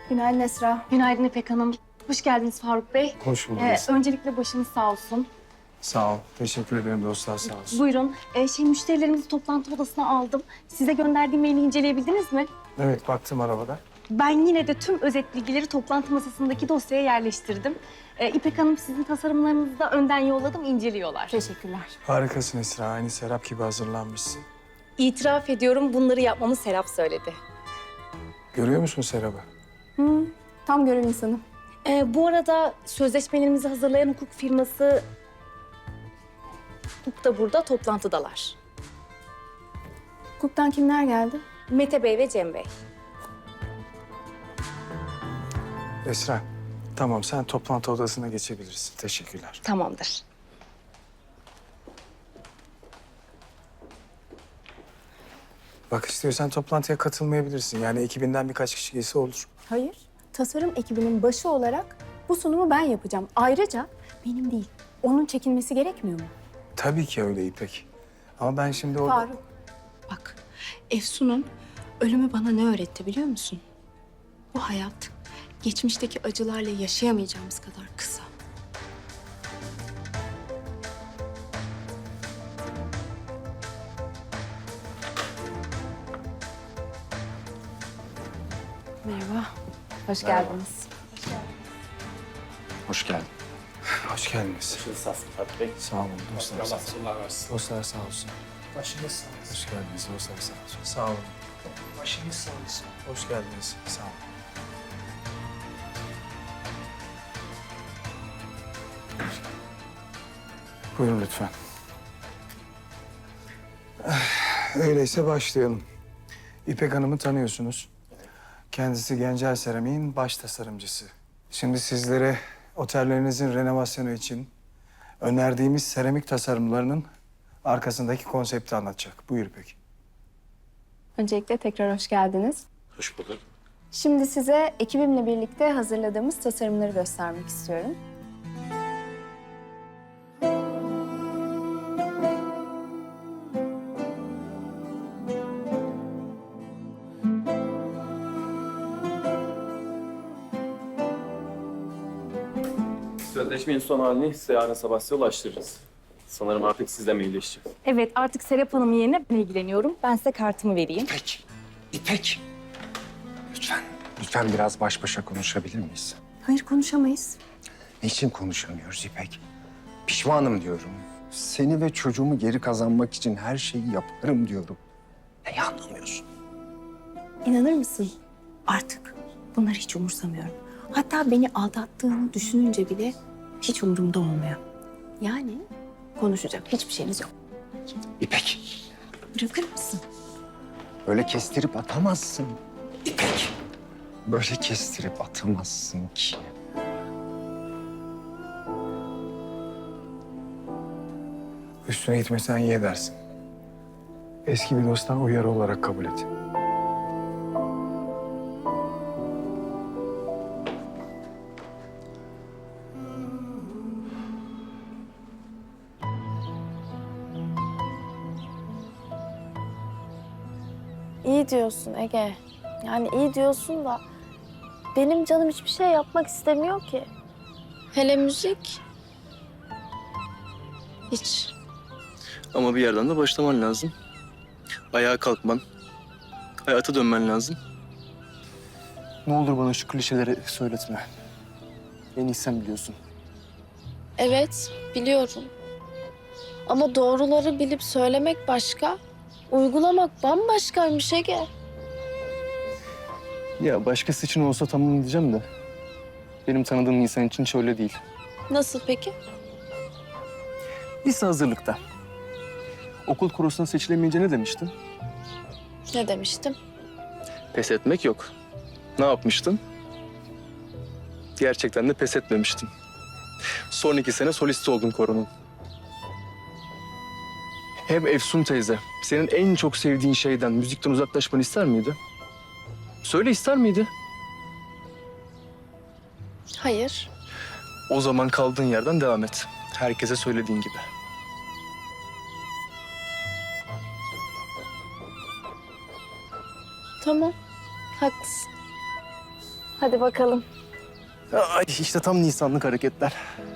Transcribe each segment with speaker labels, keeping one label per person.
Speaker 1: Günaydın Esra.
Speaker 2: Günaydın İpek Hanım. Hoş geldiniz Faruk Bey.
Speaker 3: Hoş bulduk.
Speaker 2: Öncelikle başınız sağ olsun.
Speaker 3: Sağ ol. Teşekkür ederim dostlar, sağ olsun.
Speaker 2: Buyurun. Müşterilerimizi toplantı odasına aldım. Size gönderdiğim maili inceleyebildiniz mi?
Speaker 3: Evet, baktım arabada.
Speaker 2: Ben yine de tüm özet bilgileri toplantı masasındaki dosyaya yerleştirdim. İpek Hanım sizin tasarımlarınızı da önden yolladım, inceliyorlar.
Speaker 1: Teşekkürler.
Speaker 3: Harikasın Esra. Aynı Serap gibi hazırlanmışsın.
Speaker 2: İtiraf ediyorum, bunları yapmamı Serap söyledi.
Speaker 3: Görüyor musun Serap'ı?
Speaker 1: Tam görev insanı.
Speaker 2: Bu arada sözleşmelerimizi hazırlayan hukuk firması hukuk da burada, toplantıdalar.
Speaker 1: Hukuktan kimler geldi?
Speaker 2: Mete Bey ve Cem Bey.
Speaker 3: Esra, tamam sen toplantı odasına geçebilirsin. Teşekkürler.
Speaker 2: Tamamdır.
Speaker 3: Bak istiyorsan toplantıya katılmayabilirsin. Yani ekibinden birkaç kişi gelse olur.
Speaker 1: Hayır. Tasarım ekibinin başı olarak bu sunumu ben yapacağım. Ayrıca benim değil, onun çekilmesi gerekmiyor mu?
Speaker 3: Tabii ki öyle İpek. Ama ben şimdi orada...
Speaker 1: Faruk. Bak, Efsun'un ölümü bana ne öğretti biliyor musun? Bu hayat geçmişteki acılarla yaşayamayacağımız kadar kısa. Merhaba. Hoş geldiniz.
Speaker 4: Hoş geldin.
Speaker 3: Hoş geldiniz.
Speaker 4: Sağ olun Fatih Bey.
Speaker 3: Sağ olun dostlar.
Speaker 4: Allah sağlık versin.
Speaker 3: Dostlar sağ olsun.
Speaker 4: Başınız sağ olsun.
Speaker 3: Hoş geldiniz dostlar sağ olsun. Sağ olun.
Speaker 4: Başınız sağ olsun.
Speaker 3: Hoş geldiniz. Sağ olun. Buyurun lütfen. Öyleyse başlayalım. İpek Hanım'ı tanıyorsunuz. Kendisi Gencel Seramik'in baş tasarımcısı. Şimdi sizlere otellerinizin renovasyonu için önerdiğimiz seramik tasarımlarının arkasındaki konsepti anlatacak. Buyur İpek.
Speaker 1: Öncelikle tekrar hoş geldiniz.
Speaker 4: Hoş bulduk.
Speaker 1: Şimdi size ekibimle birlikte hazırladığımız tasarımları göstermek istiyorum.
Speaker 5: Sözleşmenin son halini size yarın sabah size ulaştırırız. Sanırım artık sizle mailleşeceğiz.
Speaker 2: Evet, artık Serap Hanım yerine ben ilgileniyorum. Ben size kartımı vereyim.
Speaker 4: İpek, İpek. Lütfen, lütfen biraz baş başa konuşabilir miyiz?
Speaker 1: Hayır, konuşamayız.
Speaker 4: Niçin konuşamıyoruz İpek? Pişmanım diyorum. Seni ve çocuğumu geri kazanmak için her şeyi yaparım diyorum. Neyi anlamıyorsun?
Speaker 1: İnanır mısın? Artık bunları hiç umursamıyorum. Hatta beni aldattığını düşününce bile hiç umurumda olmuyor. Yani konuşacak hiçbir şeyimiz yok.
Speaker 4: İpek,
Speaker 1: Bırakır mısın?
Speaker 4: böyle kestirip atamazsın. İpek, böyle kestirip atamazsın ki.
Speaker 3: Üstüne gitmesen iyi edersin. Eski bir dosttan uyarı olarak kabul et.
Speaker 6: İyi diyorsun Ege. Yani iyi diyorsun da benim canım hiçbir şey yapmak istemiyor ki. Hele müzik. Hiç.
Speaker 5: Ama bir yerden de başlaman lazım. Ayağa kalkman, hayata dönmen lazım.
Speaker 7: Ne olur bana şu klişeleri söyletme. En iyi sen biliyorsun.
Speaker 6: Evet, biliyorum. Ama doğruları bilip söylemek başka, uygulamak bambaşkaymış Ege.
Speaker 7: Ya başkası için olsa tamam diyeceğim de... benim tanıdığım insan için hiç öyle değil.
Speaker 6: Nasıl peki?
Speaker 7: Lise hazırlıkta. Okul korosuna seçilemeyince ne demiştin?
Speaker 6: Ne demiştim?
Speaker 7: Pes etmek yok. Ne yapmıştın? Gerçekten de pes etmemiştin. Son 2 sene solist oldun koronun. Hem Efsun teyze, senin en çok sevdiğin şeyden, müzikten uzaklaşmanı ister miydi? Söyle, ister miydi?
Speaker 6: Hayır.
Speaker 7: O zaman kaldığın yerden devam et. Herkese söylediğin gibi.
Speaker 6: Tamam, haklısın. Hadi bakalım.
Speaker 7: Ay işte tam Nisanlık hareketler.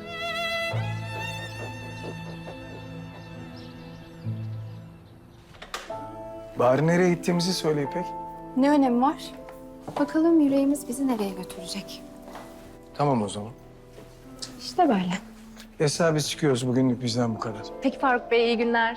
Speaker 3: Bari nereye gittiğimizi söyle İpek.
Speaker 1: Ne önemi var? Bakalım yüreğimiz bizi nereye götürecek?
Speaker 3: Tamam o zaman.
Speaker 1: İşte böyle.
Speaker 3: Esra biz çıkıyoruz. Bugünlük bizden bu kadar.
Speaker 2: Peki Faruk Bey, iyi günler.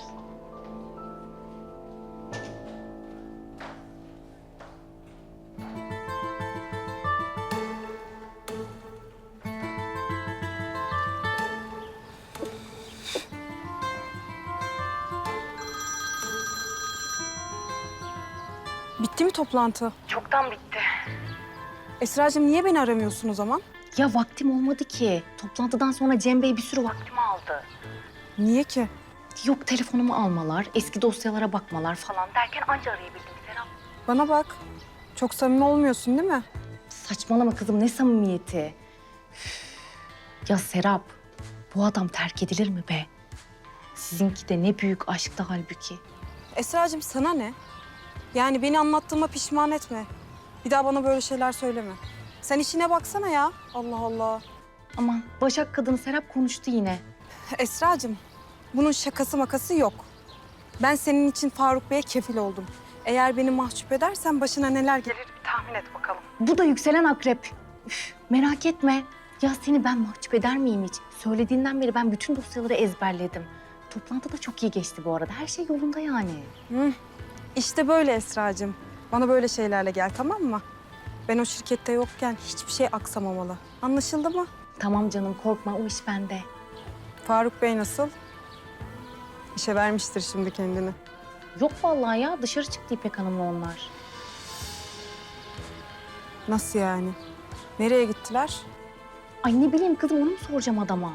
Speaker 8: Bitti mi toplantı?
Speaker 2: Çoktan bitti.
Speaker 8: Esra'cığım niye beni aramıyorsun o zaman?
Speaker 2: Ya vaktim olmadı ki. Toplantıdan sonra Cem Bey bir sürü vaktimi aldı.
Speaker 8: Niye ki?
Speaker 2: Yok telefonumu almalar, eski dosyalara bakmalar falan derken anca arayabildim Serap.
Speaker 8: Bana bak. Çok samimi olmuyorsun değil mi?
Speaker 2: Saçmalama kızım, ne samimiyeti. Üf. Ya Serap, bu adam terk edilir mi be? Sizinki de ne büyük aşktı halbuki.
Speaker 8: Esra'cığım sana ne? Yani beni anlattığıma pişman etme. Bir daha bana böyle şeyler söyleme. Sen işine baksana ya. Allah Allah.
Speaker 2: Aman Başak kadını Serap konuştu yine.
Speaker 8: Esra'cığım bunun şakası makası yok. Ben senin için Faruk Bey'e kefil oldum. Eğer beni mahcup edersen başına neler gelir bir tahmin et bakalım.
Speaker 2: Bu da yükselen akrep. Üf, merak etme. Ya seni ben mahcup eder miyim hiç? Söylediğinden beri ben bütün dosyaları ezberledim. Toplantı da çok iyi geçti bu arada. Her şey yolunda yani.
Speaker 8: İşte böyle Esra'cığım. Bana böyle şeylerle gel tamam mı? Ben o şirkette yokken hiçbir şey aksamamalı. Anlaşıldı mı?
Speaker 2: Tamam canım, korkma, o iş bende.
Speaker 8: Faruk Bey nasıl? İşe vermiştir şimdi kendini.
Speaker 2: Yok vallahi ya, dışarı çıktı İpek Hanım'la onlar.
Speaker 8: Nasıl yani? Nereye gittiler?
Speaker 2: Ay ne bileyim kızım, onu mu soracağım adama?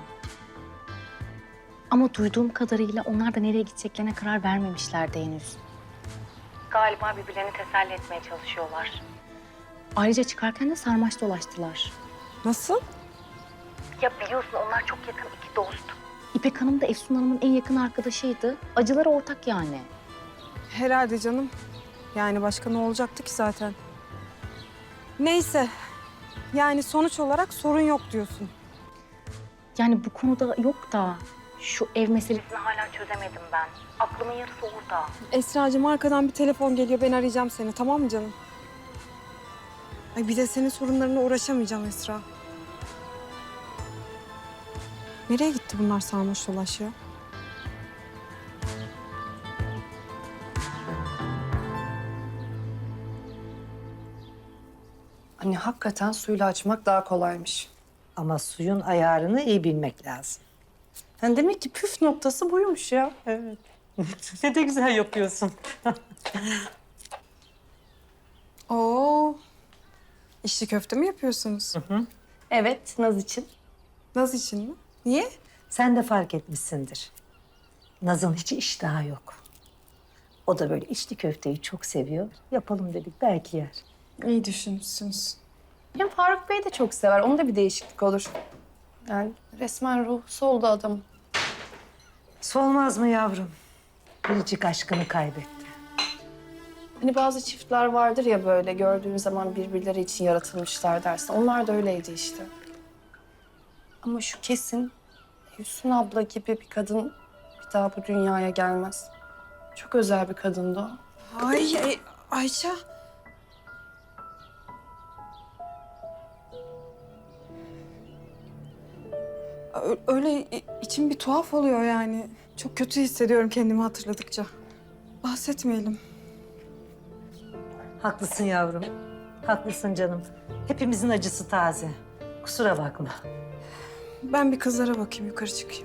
Speaker 2: Ama duyduğum kadarıyla onlar da nereye gideceklerine karar vermemişlerdi henüz. Galiba birbirlerini teselli etmeye çalışıyorlar. Ayrıca çıkarken de sarmaş dolaştılar.
Speaker 8: Nasıl?
Speaker 2: Ya biliyorsun onlar çok yakın iki dost. İpek Hanım da Efsun Hanım'ın en yakın arkadaşıydı. Acıları ortak yani.
Speaker 8: Herhalde canım. Yani başka ne olacaktı ki zaten? Neyse. Yani sonuç olarak sorun yok diyorsun.
Speaker 2: Yani bu konuda yok da şu ev meselesini hala çözemedim ben. Aklımın yarısı orada.
Speaker 8: Esra'cığım arkadan bir telefon geliyor. Ben arayacağım seni tamam mı canım? Ay bir de senin sorunlarına uğraşamayacağım Esra. Nereye gitti bunlar sarmaş dolaş ya?
Speaker 9: Hani hakikaten suyla açmak daha kolaymış.
Speaker 10: Ama suyun ayarını iyi bilmek lazım.
Speaker 9: Yani demek ki püf noktası buymuş ya. Evet.
Speaker 10: Ne de güzel yapıyorsun.
Speaker 8: Oo. İçli köfte mi yapıyorsunuz?
Speaker 2: Evet, Naz için.
Speaker 8: Naz için mi? Niye?
Speaker 10: Sen de fark etmişsindir. Naz'ın hiç iştahı yok. O da böyle içli köfteyi çok seviyor. Yapalım dedik belki yer.
Speaker 8: İyi düşünmüşsünüz.
Speaker 9: Ya Faruk Bey de çok sever. Onda bir değişiklik olur. Yani resmen ruh soldu adam.
Speaker 10: Solmaz mı yavrum? Biricik aşkını kaybetti.
Speaker 9: Hani bazı çiftler vardır ya böyle gördüğün zaman birbirleri için yaratılmışlar dersin. Onlar da öyleydi işte. Ama şu kesin Hüsnü abla gibi bir kadın bir daha bu dünyaya gelmez. Çok özel bir kadındı o.
Speaker 8: Ayça. Öyle içim bir tuhaf oluyor yani. Çok kötü hissediyorum kendimi hatırladıkça. Bahsetmeyelim.
Speaker 10: Haklısın yavrum. Haklısın canım. Hepimizin acısı taze. Kusura bakma.
Speaker 8: Ben bir kızlara bakayım, yukarı çıkayım.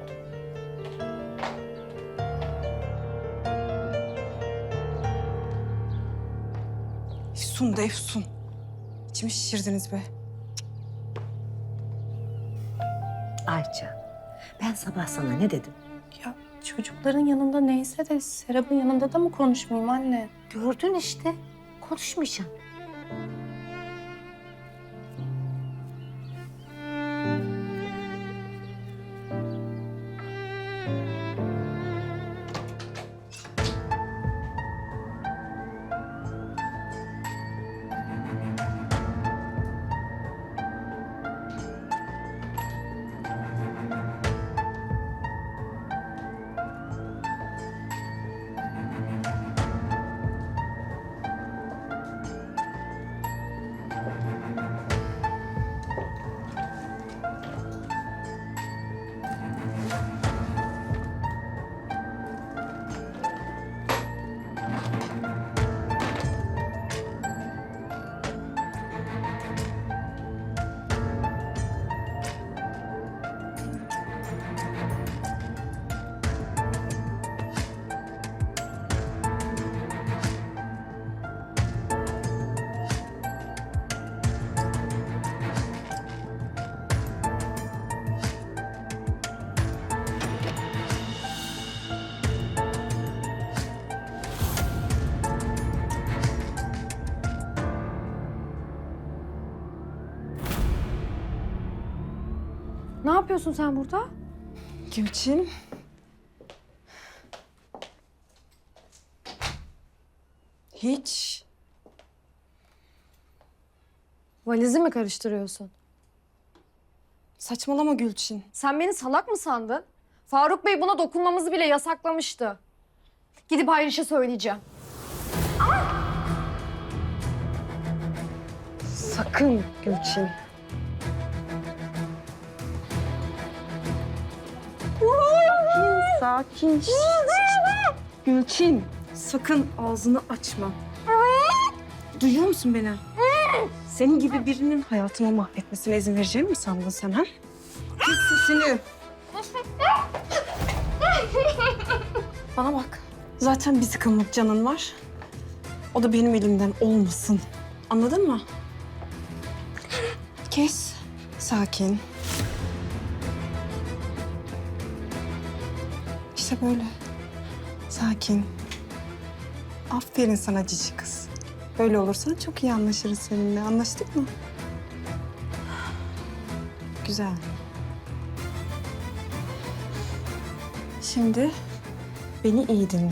Speaker 8: Efsun da Efsun. İçimi şişirdiniz be.
Speaker 10: Ayça, ben sabah sana ne dedim?
Speaker 9: Ya çocukların yanında neyse de Serap'ın yanında da mı konuşmayayım anne?
Speaker 10: Gördün işte. Konuşmayacağım.
Speaker 6: Ne yapıyorsun sen burada?
Speaker 8: Gülçin. Hiç.
Speaker 6: Valizi mi karıştırıyorsun?
Speaker 8: Saçmalama Gülçin.
Speaker 6: Sen beni salak mı sandın? Faruk Bey buna dokunmamızı bile yasaklamıştı. Gidip Ayrış'a söyleyeceğim.
Speaker 8: Sakın Gülçin. Sakin, sakin. Gülçin, sakın ağzını açma. Duyuyor musun beni? Senin gibi birinin hayatımı mahvetmesine izin vereceğimi mi sandın sen ha? Kes sesini. Bana bak. Zaten bir sıkımlık canın var. O da benim elimden olmasın. Anladın mı? Kes. Sakin. İşte böyle. Sakin. Aferin sana cici kız. Böyle olursan çok iyi anlaşırız seninle. Anlaştık mı? Güzel. Şimdi beni iyi dinle.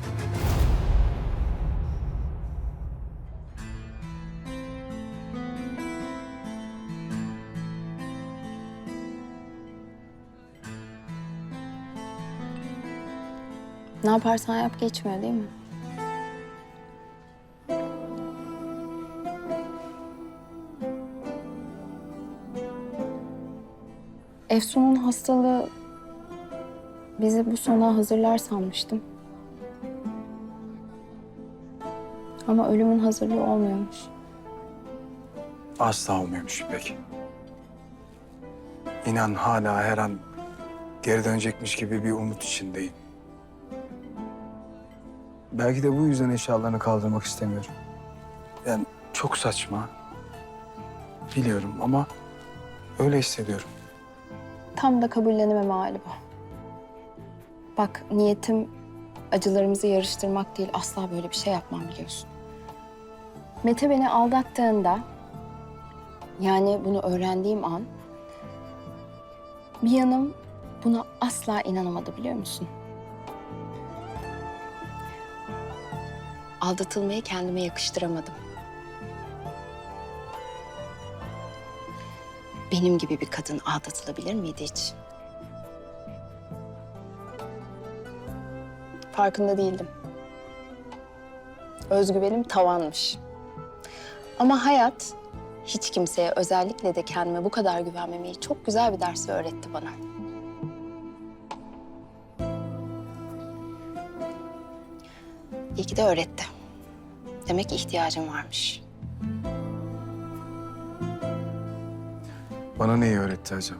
Speaker 1: Ne yaparsan yap geçmiyor değil mi? Efsun'un hastalığı bizi bu sona hazırlar sanmıştım. Ama ölümün hazırlığı olmuyormuş.
Speaker 3: Asla olmuyormuş İpek. İnan hala her an geri dönecekmiş gibi bir umut içindeyim. Belki de bu yüzden eşyalarını kaldırmak istemiyorum. Yani çok saçma. Biliyorum ama öyle hissediyorum.
Speaker 1: Tam da kabullenememe hali bu. Bak niyetim acılarımızı yarıştırmak değil, asla böyle bir şey yapmam biliyorsun. Mete beni aldattığında, yani bunu öğrendiğim an, bir yanım buna asla inanamadı biliyor musun? Aldatılmayı kendime yakıştıramadım. Benim gibi bir kadın aldatılabilir miydi hiç? Farkında değildim. Özgüvenim tavanmış. Ama hayat hiç kimseye, özellikle de kendime bu kadar güvenmemeyi çok güzel bir ders öğretti bana. İyi ki de öğretti. Demek ki ihtiyacım varmış.
Speaker 3: Bana neyi öğretti acaba?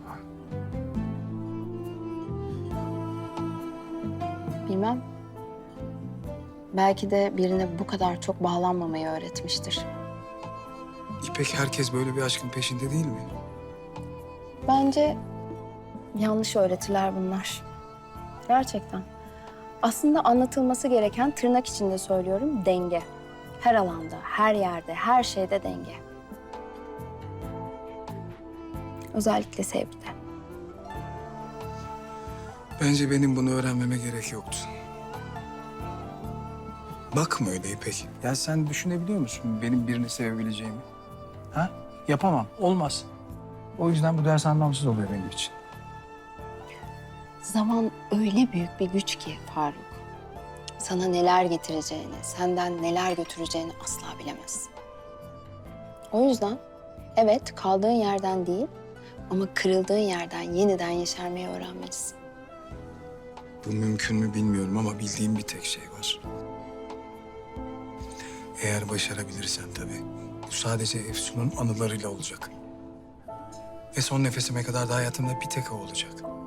Speaker 1: Bilmem. Belki de birine bu kadar çok bağlanmamayı öğretmiştir.
Speaker 3: İpek herkes böyle bir aşkın peşinde değil mi?
Speaker 1: Bence yanlış öğretiler bunlar. Gerçekten. Aslında anlatılması gereken, tırnak içinde söylüyorum, denge. Her alanda, her yerde, her şeyde denge. Özellikle sevgide.
Speaker 3: Bence benim bunu öğrenmeme gerek yoktu. Bakma öyle İpek. Ya sen düşünebiliyor musun benim birini sevebileceğimi? Ha? Yapamam. Olmaz. O yüzden bu ders anlamsız oluyor benim için.
Speaker 1: Zaman öyle büyük bir güç ki Faruk. Sana neler getireceğini, senden neler götüreceğini asla bilemezsin. O yüzden evet kaldığın yerden değil ama kırıldığın yerden yeniden yeşermeyi öğrenmelisin.
Speaker 3: Bu mümkün mü bilmiyorum ama bildiğim bir tek şey var. Eğer başarabilirsen tabii. Bu sadece Efsun'un anılarıyla olacak. Ve son nefesime kadar da hayatımda bir tek o olacak.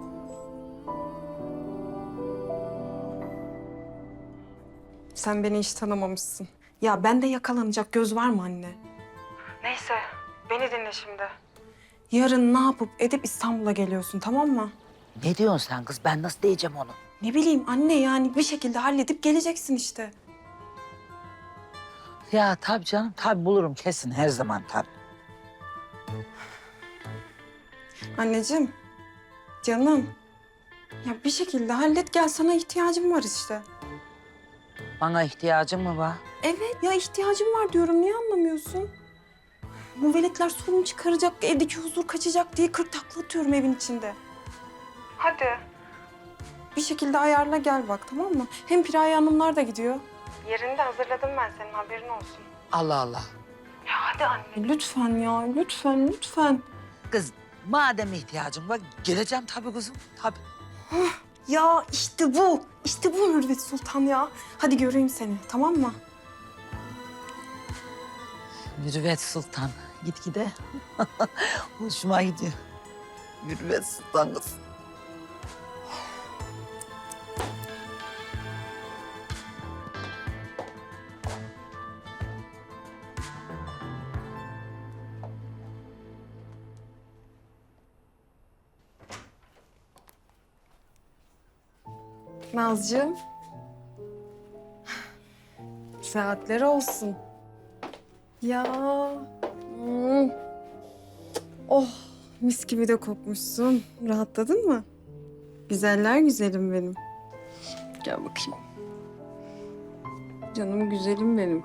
Speaker 8: Sen beni hiç tanımamışsın. Ya bende yakalanacak göz var mı anne? Neyse, beni dinle şimdi. Yarın ne yapıp edip İstanbul'a geliyorsun, tamam mı?
Speaker 10: Ne diyorsun sen kız? Ben nasıl diyeceğim onu?
Speaker 8: Ne bileyim anne, yani bir şekilde halledip geleceksin işte.
Speaker 10: Ya tabii canım, tabii bulurum kesin her zaman tabii.
Speaker 8: Anneciğim, Canım. Ya bir şekilde hallet gel, sana ihtiyacım var işte.
Speaker 10: Bana ihtiyacın mı var?
Speaker 8: Evet ya, ihtiyacım var diyorum, niye anlamıyorsun? Bu veletler sorun çıkaracak, evdeki huzur kaçacak diye 40 takla atıyorum evin içinde. Hadi. Bir şekilde ayarla gel bak, tamam mı? Hem Piraye Hanımlar da gidiyor. Yerini de hazırladım ben, senin haberin olsun.
Speaker 10: Allah Allah.
Speaker 8: Hadi anne lütfen ya, lütfen lütfen.
Speaker 10: Kız madem ihtiyacın var geleceğim tabii kızım. Tabii.
Speaker 8: Ya işte bu, işte bu Mürvet Sultan ya. Hadi göreyim seni, tamam mı?
Speaker 10: Mürüvvet Sultan. Git gide. Hoşuma gidiyor. Mürüvvet Sultan kız.
Speaker 8: Nazcığım. Saatler olsun. Ya. hmm. Oh, mis gibi de kokmuşsun. Rahatladın mı? Güzeller güzelim benim. Gel bakayım. Canım güzelim benim.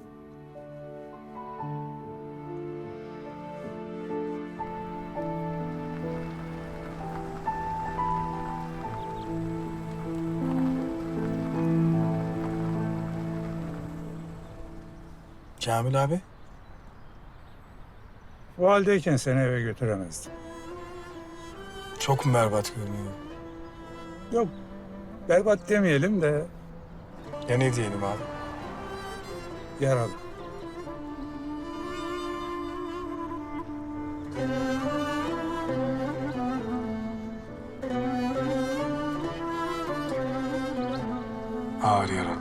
Speaker 3: Kamil abi.
Speaker 11: O haldeyken seni eve götüremezdim.
Speaker 3: Çok mu berbat görünüyor?
Speaker 11: Yok, berbat demeyelim de
Speaker 3: Ya ne diyelim abi?
Speaker 11: yaralı.
Speaker 3: Ağır yaralı.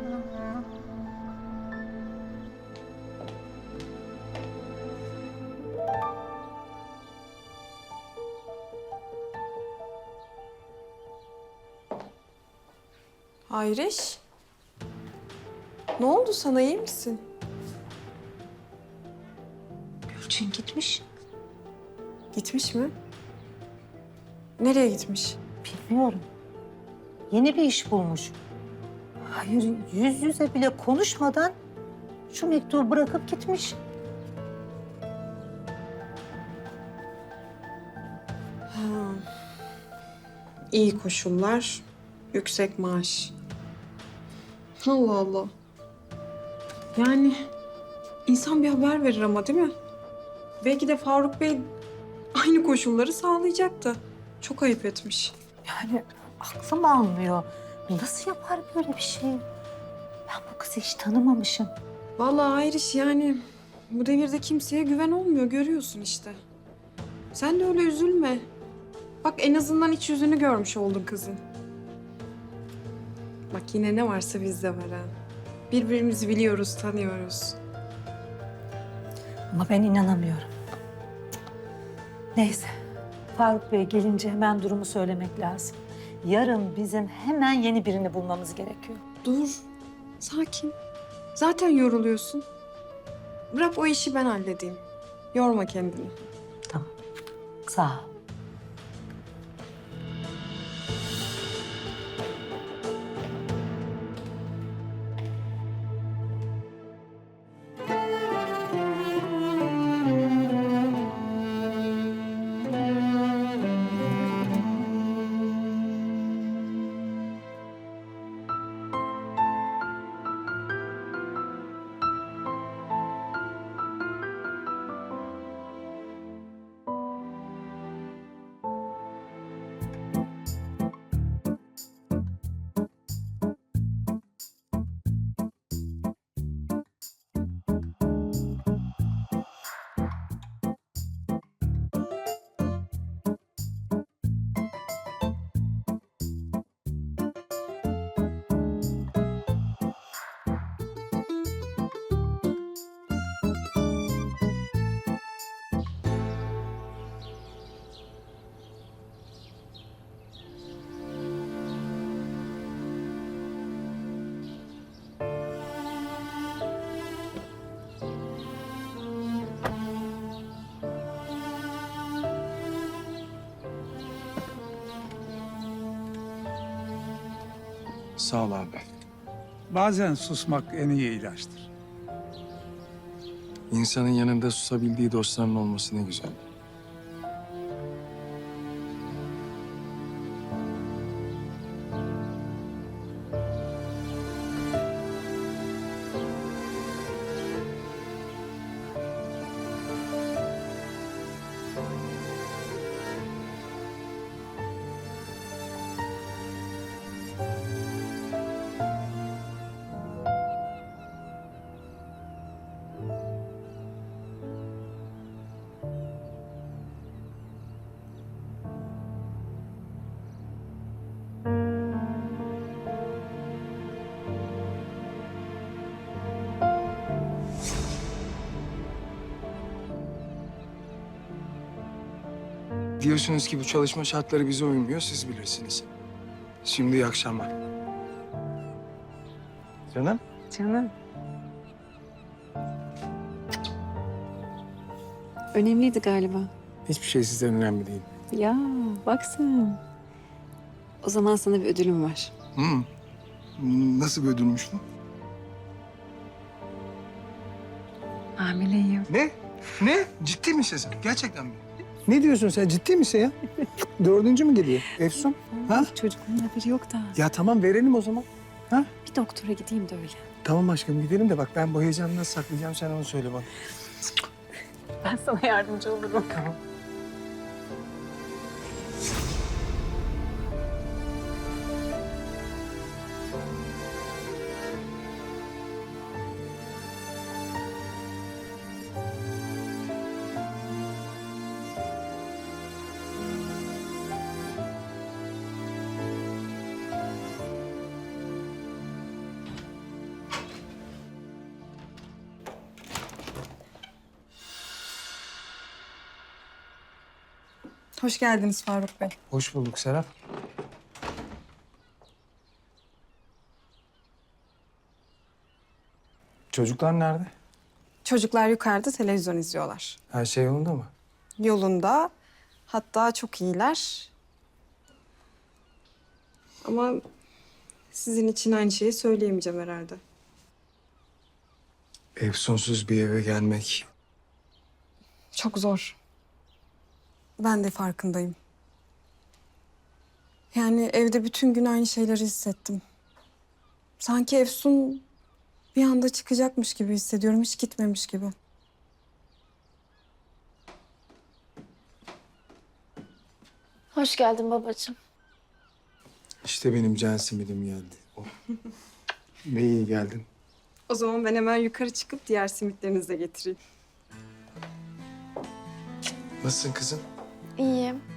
Speaker 8: Hayriş. Ne oldu sana, iyi misin?
Speaker 10: Gülçin gitmiş.
Speaker 8: Gitmiş mi? Nereye gitmiş?
Speaker 10: Bilmiyorum. Yeni bir iş bulmuş. Hayır, yüz yüze bile konuşmadan şu mektubu bırakıp gitmiş.
Speaker 8: Ha. İyi koşullar, yüksek maaş. Allah Allah. Yani insan bir haber verir ama, değil mi? Belki de Faruk Bey aynı koşulları sağlayacaktı. Çok ayıp etmiş.
Speaker 10: Yani aklım almıyor. Nasıl yapar böyle bir şey? Ben bu kızı hiç tanımamışım.
Speaker 8: Vallahi Ayriş, yani bu devirde kimseye güven olmuyor, görüyorsun işte. Sen de öyle üzülme. Bak en azından iç yüzünü görmüş oldun kızın. Bak yine ne varsa bizde var ha. Birbirimizi biliyoruz, tanıyoruz.
Speaker 10: Ama ben inanamıyorum. Neyse. Faruk Bey gelince hemen durumu söylemek lazım. Yarın bizim hemen yeni birini bulmamız gerekiyor.
Speaker 8: Dur, sakin. Zaten yoruluyorsun. Bırak o işi ben halledeyim. Yorma kendini.
Speaker 10: Tamam. Sağ ol.
Speaker 3: Sağ ol abi.
Speaker 11: Bazen susmak en iyi ilaçtır.
Speaker 3: İnsanın yanında susabildiği dostlarının olması ne güzel. Diyorsunuz ki bu çalışma şartları bize uymuyor, siz bilirsiniz. Şimdi iyi akşamlar. Canım?
Speaker 8: Canım. Önemliydi galiba.
Speaker 3: Hiçbir şey sizden önemli değil.
Speaker 8: Ya bak sen. O zaman sana bir ödülüm var.
Speaker 3: Nasıl bir ödülmüş bu?
Speaker 8: Hamileyim.
Speaker 3: Ne? Ne? Ciddi misin sen? Gerçekten mi? Ne diyorsun sen? Ciddi misin ya? 4. mü geliyor? Efsun? Ha?
Speaker 8: Çocukluğun haberi yok da.
Speaker 3: Ya tamam verelim o zaman.
Speaker 8: Bir doktora gideyim de öyle.
Speaker 3: Tamam aşkım gidelim de bak ben bu heyecanı nasıl saklayacağım sen onu söyle bana.
Speaker 8: Ben sana yardımcı olurum.
Speaker 3: Tamam.
Speaker 8: Hoş geldiniz Faruk Bey.
Speaker 3: Hoş bulduk Serap. Çocuklar nerede?
Speaker 8: Çocuklar yukarıda televizyon izliyorlar.
Speaker 3: Her şey yolunda mı?
Speaker 8: Yolunda. Hatta çok iyiler. Ama sizin için aynı şeyi söyleyemeyeceğim herhalde.
Speaker 3: Efsunsuz bir eve gelmek.
Speaker 8: Çok zor. Ben de farkındayım. Yani evde bütün gün aynı şeyleri hissettim. Sanki Efsun bir anda çıkacakmış gibi hissediyorum, hiç gitmemiş gibi.
Speaker 6: Hoş geldin babacığım.
Speaker 3: İşte benim can simidim geldi. Oh. Ne iyi geldin.
Speaker 8: O zaman ben hemen yukarı çıkıp diğer simitlerinizi de getireyim.
Speaker 3: Nasılsın kızım?
Speaker 6: İyiyim.